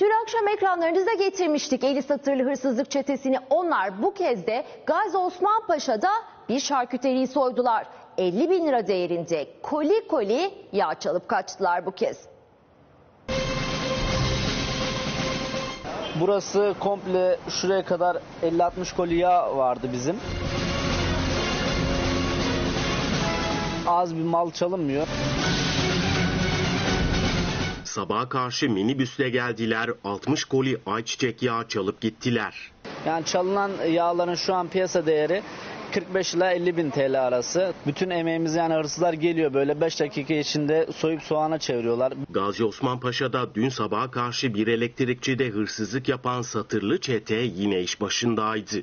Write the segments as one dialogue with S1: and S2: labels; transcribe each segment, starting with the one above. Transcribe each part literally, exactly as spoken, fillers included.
S1: Dün akşam ekranlarınıza getirmiştik eli satırlı hırsızlık çetesini. Onlar bu kez de Gazi Osman Paşa'da bir şarküteriyi soydular. elli bin lira değerinde koli koli yağ çalıp kaçtılar bu kez.
S2: Burası komple şuraya kadar elli altmış koli yağ vardı bizim. Az bir mal çalınmıyor.
S3: Sabaha karşı minibüsle geldiler, altmış koli ayçiçek yağı çalıp gittiler.
S2: Yani çalınan yağların şu an piyasa değeri kırk beş ila elli bin T L arası. Bütün emeğimiz, yani hırsızlar geliyor böyle beş dakika içinde soyup soğana çeviriyorlar.
S3: Gazi Osman Paşa'da dün sabaha karşı bir elektrikçide hırsızlık yapan satırlı çete yine iş başındaydı.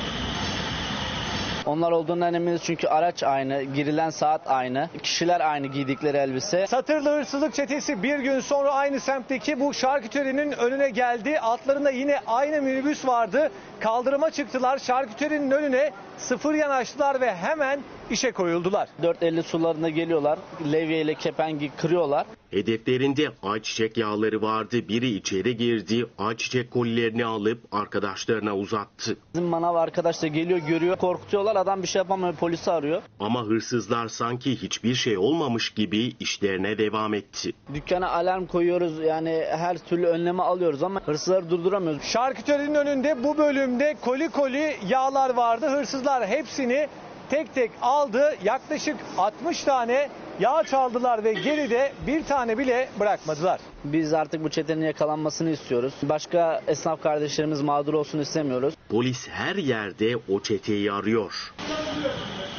S2: Onlar olduğundan eminiz çünkü araç aynı, girilen saat aynı, kişiler aynı giydikleri elbise.
S4: Satırlı hırsızlık çetesi bir gün sonra aynı semtteki bu şarküterinin önüne geldi. Altlarında yine aynı minibüs vardı. Kaldırıma çıktılar, şarküterinin önüne sıfır yanaştılar ve hemen işe koyuldular.
S2: dört elli sularında geliyorlar, levye ile kepengi kırıyorlar.
S3: Hedeflerinde ayçiçek yağları vardı. Biri içeri girdi, ayçiçek kolilerini alıp arkadaşlarına uzattı.
S2: Bizim manav arkadaş da geliyor, görüyor, korkutuyorlar, adam bir şey yapamıyor, polisi arıyor.
S3: Ama hırsızlar sanki hiçbir şey olmamış gibi işlerine devam etti.
S2: Dükkana alarm koyuyoruz, yani her türlü önlemi alıyoruz ama hırsızları durduramıyoruz.
S4: Şarküterinin önünde bu bölümde koli koli yağlar vardı. Hırsızlar hepsini tek tek aldı. Yaklaşık altmış tane yağ çaldılar ve geride bir tane bile bırakmadılar.
S2: Biz artık bu çetenin yakalanmasını istiyoruz. Başka esnaf kardeşlerimiz mağdur olsun istemiyoruz.
S3: Polis her yerde o çeteyi arıyor.